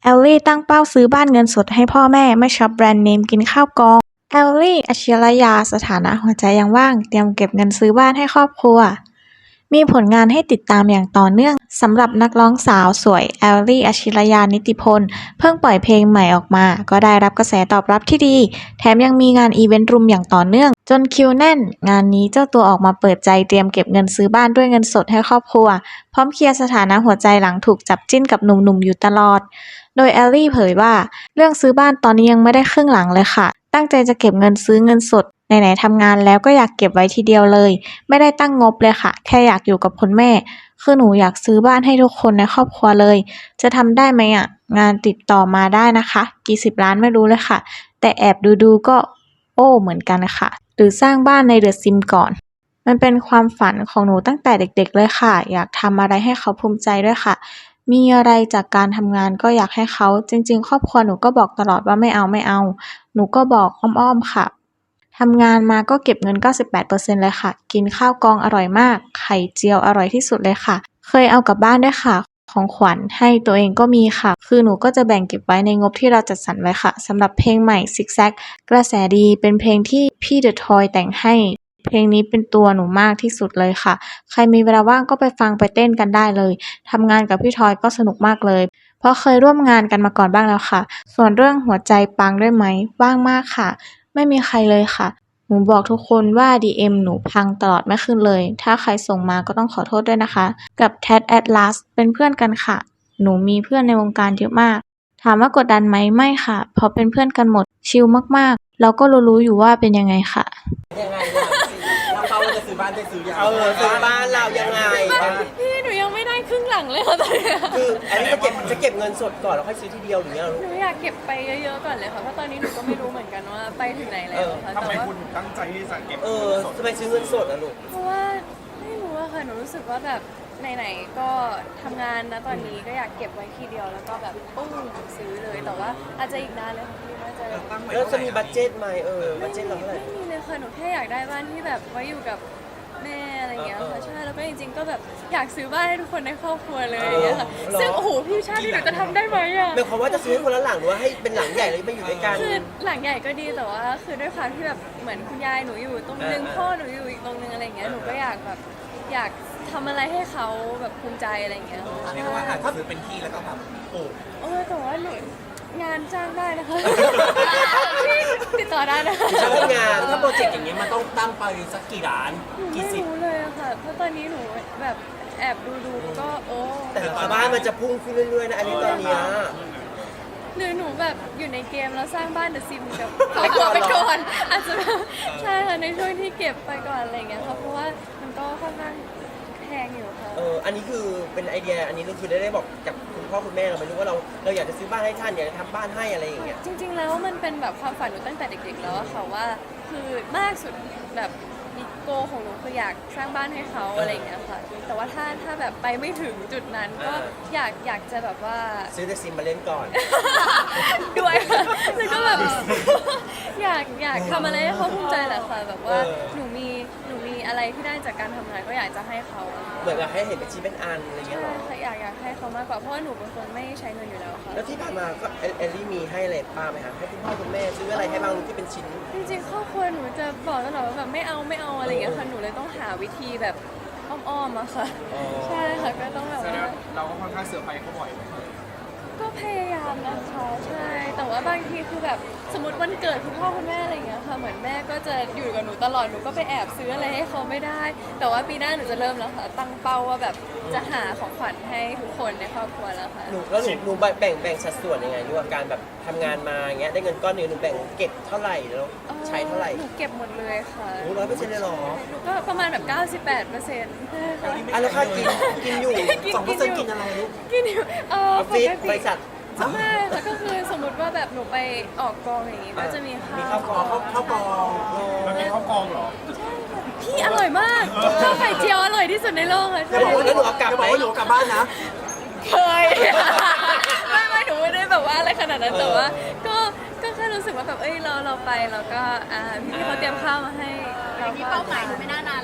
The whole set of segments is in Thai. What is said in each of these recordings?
แอลลี่ตั้งเป้าซื้อบ้านเงินสดให้พ่อแม่ไม่ช็อปแบรนด์เนมกินข้าวกองแอลลี่ อัจฉริยาสถานะหัวใจยังว่างเตรียมเก็บเงินซื้อบ้านให้ครอบครัวมีผลงานให้ติดตามอย่างต่อเนื่องสำหรับนักร้องสาวสวยแอลลี่ อัจฉริยานิติพลเพิ่งปล่อยเพลงใหม่ออกมาก็ได้รับกระแสตอบรับที่ดีแถมยังมีงานอีเวนต์รุมอย่างต่อเนื่องจนคิวแน่นงานนี้เจ้าตัวออกมาเปิดใจเตรียมเก็บเงินซื้อบ้านด้วยเงินสดให้ครอบครัวพร้อมเคลียร์สถานะหัวใจหลังถูกจับจิ้นกับหนุ่มๆอยู่ตลอดโดยแอลลี่เผยว่าเรื่องซื้อบ้านตอนนี้ยังไม่ได้ครึ่งหลังเลยค่ะตั้งใจจะเก็บเงินซื้อเงินสดไหนๆทำงานแล้วก็อยากเก็บไว้ทีเดียวเลยไม่ได้ตั้งงบเลยค่ะแค่อยากอยู่กับคุณแม่คือหนูอยากซื้อบ้านให้ทุกคนในครอบครัวเลยจะทำได้ไหมอ่ะงานติดต่อมาได้นะคะกี่สิบล้านไม่รู้เลยค่ะแต่แอบดูก็โอ้เหมือนกันค่ะหรือสร้างบ้านในเดอะซิมก่อนมันเป็นความฝันของหนูตั้งแต่เด็กๆเลยค่ะอยากทำอะไรให้เขาภูมิใจด้วยค่ะมีอะไรจากการทำงานก็อยากให้เขาจริงๆครอบครัวหนูก็บอกตลอดว่าไม่เอาหนูก็บอกอ้อมๆค่ะทำงานมาก็เก็บเงิน98%เลยค่ะกินข้าวกองอร่อยมากไข่เจียวอร่อยที่สุดเลยค่ะเคยเอากลับบ้านด้วยค่ะของขวัญให้ตัวเองก็มีค่ะคือหนูก็จะแบ่งเก็บไว้ในงบที่เราจัดสรรไว้ค่ะสำหรับเพลงใหม่ซิกแซกกระแสดีเป็นเพลงที่พี่เดอะทอยแต่งให้เพลงนี้เป็นตัวหนูมากที่สุดเลยค่ะใครมีเวลาว่างก็ไปฟังไปเต้นกันได้เลยทำงานกับพี่ทอยก็สนุกมากเลยเพราะเคยร่วมงานกันมาก่อนบ้างแล้วค่ะส่วนเรื่องหัวใจปังด้วยไหมว่างมากค่ะไม่มีใครเลยค่ะหนูบอกทุกคนว่า DM หนูพังตลอดไม่ขึ้นเลยถ้าใครส่งมาก็ต้องขอโทษด้วยนะคะกับ Tat Atlas เป็นเพื่อนกันค่ะหนูมีเพื่อนในวงการเยอะมากถามว่ากดดันไหมไม่ค่ะเพราะเป็นเพื่อนกันหมดชิลมากๆเราก็รู้อยู่ว่าเป็นยังไงค่ะยังไงล่ะเราเป้าว่าจะซื้อบ้านได้ซื้อยังซื้อบ้านเรายังไงพี่หนูยังไม่ได้ครึ่งหลังเลยค่ะตอนนี้คืออันนี้จะเก็บเงินสดก่อนแล้วค่อยซื้อทีเดียวหรือยังหนูอยากเก็บไปเยอะๆก่อนเลยค่ะเพราะตอนนี้หนูก็ไม่รู้เหมือนกันว่าไปถึงไหนแล้วค่ะทำไมคุณตั้งใจที่จะเก็บทำไมซื้อเงินสดอ่ะลูกเพราะว่าไม่รู้อะค่ะหนูรู้สึกว่าแบบไหนๆก็ทำงานนะตอนนี้ก็อยากเก็บไว้ทีเดียวแล้วก็แบบปุ้งซื้อเลยแต่ว่าอาจจะอีกนานเลยค่ะพี่น่าจะแล้วจะมีบัดเจ็ตไหมบัดเจ็ตเราเท่าไหร่ไม่มีเลยค่ะหนูแค่อยากได้บ้านที่แบบไว้อยู่กับแม่อะไรอย่างเงี้ยค่ะใช่แล้วก็จริงๆก็แบบอยากซื้อบ้านให้ทุกคนในครอบครัวเลยอย่างเงี้ยค่ะซึ่งโอ้โหพี่ชาติที่หนูจะทำได้ไหมอะหมายความว่าจะซื้อให้คนละหลังหรือว่าให้เป็นหลังใหญ่เลยมาอยู่ด้วยกันคือหลังใหญ่ก็ดีแต่ว่าคือด้วยความที่แบบเหมือนคุณยายหนูอยู่ตรงนึงพ่อหนูอยู่อีกตรงนึงอะไรอย่างเงี้ยหนูก็อยากแบบอยากทำอะไรให้เขาแบบภูมิใจอะไรอย่างเงี้ยเรียกว่าอาจจะซื้อเป็นที่แล้วก็แบบปลูกแต่ว่าหนูงานจ้างได้นะคะติดต่อได้นะคะชอบงานถ้าโปรเจกต์อย่างเงี้ยมันต้องตั้งไปสักกี่ล้านไม่รู้เลยค่ะเพราะตอนนี้หนูแบบแอบดูก็แต่บ้านมันจะพุ่งขึ้นเรื่อยๆนะอันนี้ตอนนี้หนูแบบอยู่ในเกมแล้วสร้างบ้านเดอะซิมกับไปก่อนอาจจะใช่ค่ะในช่วงที่เก็บไปก่อนอะไรเงี้ยค่ะเพราะว่ามันก็ค่อนข้างแพงอยู่ค่ะอันนี้คือเป็นไอเดียอันนี้เราคือได้บอกกับคุณพ่อคุณแม่เราไหมรู้ว่าเราอยากจะซื้อบ้านให้ท่านอยากจะทำบ้านให้อะไรอย่างเงี้ยจริงๆแล้วมันเป็นแบบความฝันหนูตั้งแต่เด็กๆแล้วอะค่ะว่าคือมากสุดแบบโกของหนูคืออยากสร้างบ้านให้เขาอะไรอย่างเงี้ยค่ะแต่ว่าถ้าแบบไปไม่ถึงจุดนั้นก็อยากจะแบบว่าซื้อแต่ซิมมาเล่นก่อนด้วยแล้วก็แบบอยากทำอะไรให้เขาภูมิใจแหละค่ะแบบว่าหนูมีอะไรที่ได้จากการทำงานก็อยากจะให้เขาเหมือนกับให้เห็นเป็นชิ้นเป็นอันอะไรเงี้ยหรออยากให้เขามากกว่าเพราะว่าหนูเป็นคนไม่ใช้เงินอยู่แล้วค่ะแล้วที่ผ่านมาก็เอลลี่มีให้อะไรป้าไหมคะให้คุณพ่อคุณแม่ซื้ออะไรให้บ้างที่เป็นชิ้นจริงๆครอบครัวหนูจะบอกตลอดว่าแบบไม่เอาอะไรอย่างเงี้ยค่ะหนูเลยต้องหาวิธีแบบอ้อมๆอะค่ะใช่ค่ะก็ต้องแบบว่าเราก็ค่อนข้างเสือไปเขาบ่อยก็พยายามนะคะใช่แต่ว่าบางทีคือแบบสมมติวันเกิดคุณพ่อคุณแม่อะไรอย่างเงี้ยค่ะเหมือนแม่ก็จะอยู่กับหนูตลอดหนูก็ไปแอบซื้ออะไรให้เขาไม่ได้แต่ว่าปีหน้าหนูจะเริ่มแล้วค่ะตั้งเป้าว่าแบบจะหาของขวัญให้ทุกคนในครอบครัวแล้วค่ะหนูแบ่งสัดส่วนยังไงด้วยการแบบทำงานมาอย่างเงี้ยได้เงินก้อนนึงหนูแบ่งเก็บเท่าไหร่แล้วใช้เท่าไหร่หนูเก็บหมดเลยค่ะ 100%เลยหรอหนูก็ประมาณแบบ98% แล้วค่ากินอยู่2%กินอะไรลูกกินอยู่ออฟฟิศบริษัทไม่ค่ะก็คือสมมติว่าแบบหนูไปออกกองอย่างงี้ก็จะมีข้าวกองมันมีข้าวกองเหรอใช่ค่ะพี่อร่อยมากข้าวไข่เจียวอร่อยที่สุดในโลกเลยจะบอกว่าหนูเอากลับไหมหนูกลับบ้านนะเคยไม่หนูไม่ได้แบบว่าอะไรขนาดนั้นแต่ว่าก็แค่รู้สึกว่าแบบเราไปแล้วก็พี่เขาเตรียมข้าวมาให้เรามีเป้าหมายหนูไม่น่านานแล้วลูก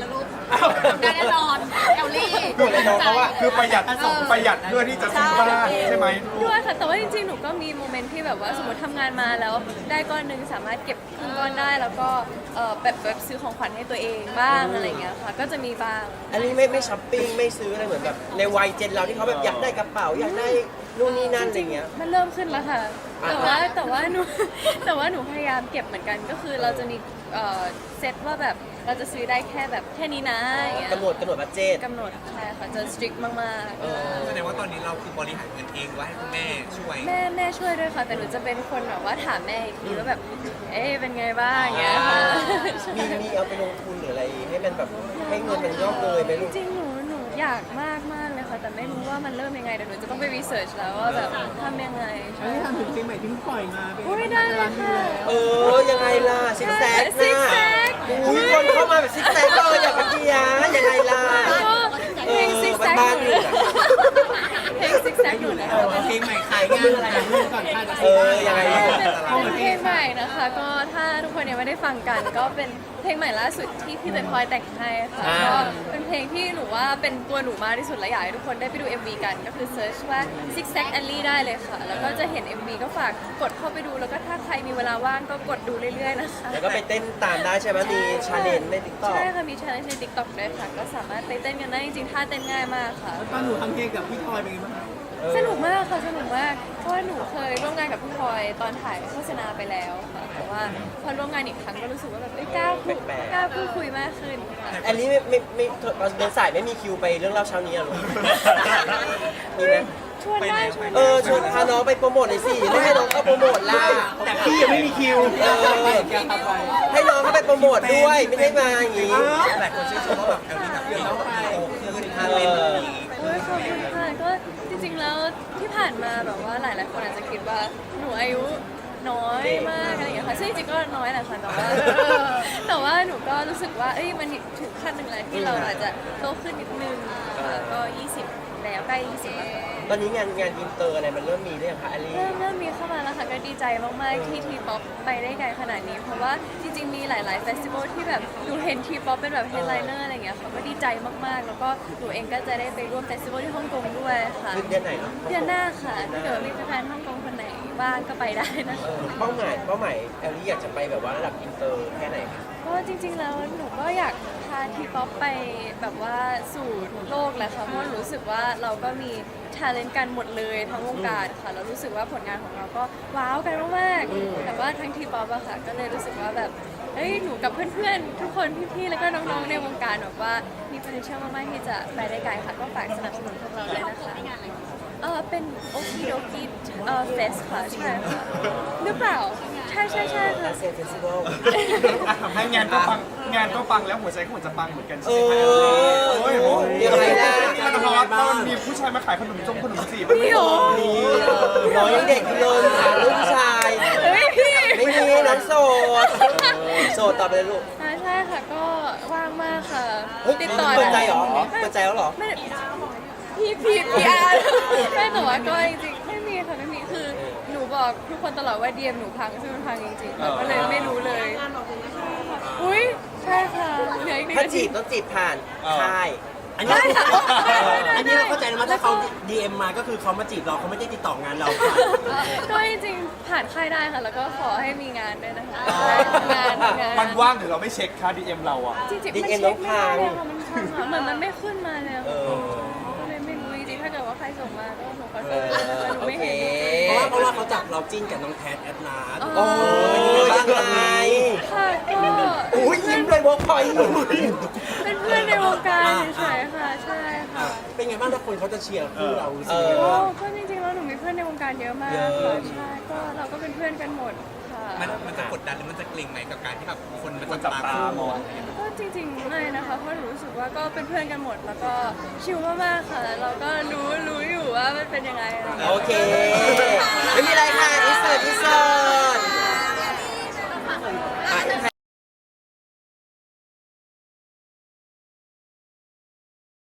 ได้แน่นอนแอลลี่คืออะไรน้องเขาอะคือประหยัดเพื่อที่จะซื้อบ้านใช่ไหมด้วยค่ะแต่ว่าจริงๆหนูก็มีโมเมนต์ที่แบบว่าสมมติทำงานมาแล้วได้ก้อนหนึ่งสามารถเก็บครึ่งก้อนได้แล้วก็แบบซื้อของขวัญให้ตัวเองบ้างอะไรเงี้ยค่ะก็จะมีบ้างอันนี้ไม่ช้อปปิ้งไม่ซื้ออะไรเหมือนแบบในวัยเจนเราที่เขาแบบอยากได้กระเป๋าอยากได้นู่นนี่นั่นอะไรเงี้ยมันเริ่มขึ้นแล้วค่ะอ่าแต่ว่าหนู แต่ว่าหนูพยายามเก็บเหมือนกันก็คือเราจะมีเซตว่าแบบเราจะซื้อได้แค่แบบแค่นี้นะอย่างเงี้ยกำหนดบัดเจตกำหนดใช่ค่ะจะ strict มากแสดงว่าตอนนี้เราคือบริหารเงินเองว่าให้คุณแม่ช่วยๆแม่ช่วยด้วยค่ะ แต่หนูจะเป็นคนแบบว่าถามแม่อีกทีว่าแบบเอ๊ะเป็นไงบ้างอย่างเงี้ยค่ะมีเอาไปลงทุนหรืออะไรให้มันแบบให้เงินมันงอกเงยไหมลูกจริงๆหนูอยากมากเลยค่ะ แต่ไม่รู้ว่ามันเริ่มยังไงเดี๋ยวหนูจะต้องไปรีเสิร์ชแล้วว่าแบบทำยังไงใช่ทำถึงจริงไหมที่ปล่อยมาเป็นอุ้ยได้เลยค่ะยังไงล่ะซิกแซกซิกน่ะแซกอุ้ยคนเข้ามาแบบซิกแซกเลยอย่าไปเกียร์ยังไงล่ะก็เพลงซิกแซกบ้านหๆนูอยู่เลยนะเพลงซิกแซกหนูเลยเพลงใหม่ขายงานอะไรเรื่องก่อนค่าจะยังไงลูกเป็นเพลงใหม่นะคะ ก็ถ้าทุกคนยังไม่ได้ฟังกัน ก็เป็นเพลงใหม่ล่าสุดที่พี่เต้นพลอยแต่งให้ค่ะก็เป็นเพลงที่หนูว่าเป็นตัวหนูมากที่สุดและอยากให้ทุกคนได้ไปดู MV กันก็คือเซิร์ชว่า Six Sack Alley ได้เลยค่ะ แล้วก็จะเห็น MV ก็ฝากกดเข้าไปดูแล้วก็ถ้าใครมีเวลาว่างก็กดดูเรื่อยๆนะคะแล้วก็ไปเต้นตามได้ใช่ไหมมีชาเลนจ์ในติ๊กต็อกใช่ค่ะมีชาเลนจ์ใน TikTok ด้วยค่ะ ก็สามารถไปเต้นกันได้จริงๆท่าเต้นง่ายมากค่ะตอนหนูทำเพลงกับพี่พลอยเป็นไงบ้างสนุกมากค่ะสนุกมากเพราะว่าหนูเคยร่วมงานกับพี่พลอยตอนถ่ายโฆษณาไปแล้วค่ะแต่ว่าพอร่วมงานอีกครั้งก็รู้สึกว่าแบบกล้าพูดคุยมากขึ้นค่ะอันนี้ไม่ตอนเดินสายไม่มีคิวไปเรื่องเล่าเช้านี้อะลูกมีไหมชวนได้ชวนชวนพาน้องไปโปรโมทหน่อยสิไม่ให้น้องเข้าโปรโมทล่ะแต่พี่ยังไม่มีคิวให้น้องเข้าไปโปรโมทด้วยไม่ได้มาอย่างงี้หลายคนชื่นชมว่าแบบแอลลี่แบบเดี๋ยวต้องไปโตขึ้นทานเล่นแบบนี้โอ้ยขอบคุณค่ะก็จริงๆแล้วที่ผ่านมาแบบว่าหลายๆคนอาจจะคิดว่าหนูอายุน้อยมากอะไรอย่างเงี้ยค่ะซึ่งจริงๆก็น้อยแหละค่ะแต่ว่าหนูก็รู้สึกว่าเอ้ยมันถึงขั้นหนึ่งแล้วที่เราอาจจะโตขึ้นนิดนึงค่ะก็ 20 แล้วใกล้ 20แล้วค่ะตอนนี้งานอินเตอร์อะไรมันเริ่มมีหรือยังคะอลี่เริ่มมีเข้ามาแล้วค่ะก็ดีใจมากๆที่ทีป๊อปไปได้ไกลขนาดนี้ เพราะว่าจริงๆมีหลายๆเฟสติวัลที่แบบหนูเห็นทีป๊อปเป็นแบบเฮดไลเนอร์อะไรอย่างเงี้ยค่ะก็ดีใจมากๆ แล้วก็หนูเองก็จะได้ไปร่วมเฟสติวัลที่ฮ่องกงด้วยค่ะเดือนไหนเนาะเดือนหน้าค่ะถ้าเกิดว่ามีแฟนๆฮ่องกงคนไหนบ้างก็ไปได้นะคะเป้าหมายแอลลี่อยากจะไปแบบว่าระดับอินเตอร์แค่ไหนคะก็จริงๆแล้วหนูก็อยากพาทีป๊อปไปแบบว่าสู่โลกแหละค่ะเพราะรู้สึกว่าเราก็มีทาเลนต์กันหมดเลยทั้งวงการค่ะแล้วรู้สึกว่าผลงานของเราก็ว้าวกันมากๆแต่ว่าทั้งทีป๊อปอะค่ะก็เลยรู้สึกว่าแบบเฮ้ยหนูกับเพื่อนๆทุกคนพี่ๆแล้วก็น้องๆในวงการแบบว่ามี potential มากๆที่จะไปได้ไกลค่ะก็ฝากสนับสนุนพวกเราด้วยนะคะเป็นโอคิโดกิเฟสค่ะใช่ค่ะหรือเปล่าใช่ค่ะอาเซียนเฟสติวัลให้งานก็ปังแล้วหัวใจก็เหมือนจะปังเหมือนกันเอใช่ไหมอยังไงล่ะมันฮอตมันมีผู้ชายมาขายขนมจีบมีเหรอน้องยังเด็กอยู่เลยถามลูกผู้ชายเฮ้ยพี่ไม่มีน้องโสดตอบไปเลยลูกใช่ค่ะก็ว่างมากค่ะเฮ้ยติดต่อเปิดใจเหรอเปิดใจแล้วเหรอไม่พี่อาร์ไม่แต่ว่าก็จริงๆไม่มีค่ะไม่มีคือหนูบอกทุกคนตลอดว่าเดียมหนูพังซึ่งมันพังจริงๆแต่ก็เลยไม่รู้เลยอุ้ยใช่ค่ะเหลืออีกหนึ่งถ้านาจีทีบต้องจีบผ่านค่ายอันนี้เราเข้าใจนะว่าถ้าเขา DM มาก็คือเขามาจีบเราเขาไม่ได้ติดต่องานเราค่ะก็จริงๆผ่านค่ายได้ค่ะ แล้วก็ขอให้มีงานด้วยนะคะงานมันว่างหรือเราไม่เช็คค่า DM เราอ่ะจริงๆมัน DM เช็คไม่ได้น้องพาเลยค่ะมันพังอะเหมือนมันไม่ขึ้นมาเลยอะเอค่ะอก็เลยไม่รู้จริงๆถ้าเกิดว่าใครส่งมาก็หนูขอโทษแต่หนูโอไม่เคเห็นเพราะว่าเขาจับเราจิ้นกับน้องแพทแอดนาสโอ้ยยังไงค่ะก็อุ้ยยิ้มเลยบอกพอยเป็นเพื่อนในวงการเฉยๆค่ะ ใช่ค่ะเป็นไงบ้างถ้าคนเขาจะเชียร์คู่เรารู้สึกเอยังไงอโอ้บ้างก็จริงๆแล้วหนูมีเพื่อนในวงการเยอะมากเยอะค่ะใช่ก็เราก็เป็นเพื่อนกันหมดค่ะมันจะกดดันหรือมันจะเกรงไหมกับการที่แบบคนมันคนจัจับบ ตาตาคู่มองก็จริงๆไม่นะคะเพราะหนูรู้สึกว่าก็เป็นเพื่อนกันหมด แล้วก็ชิลมากๆค่ะเราก็รู้อยู่ว่ามันเป็นยังไงอะไรอย่างเงี้ยโอเค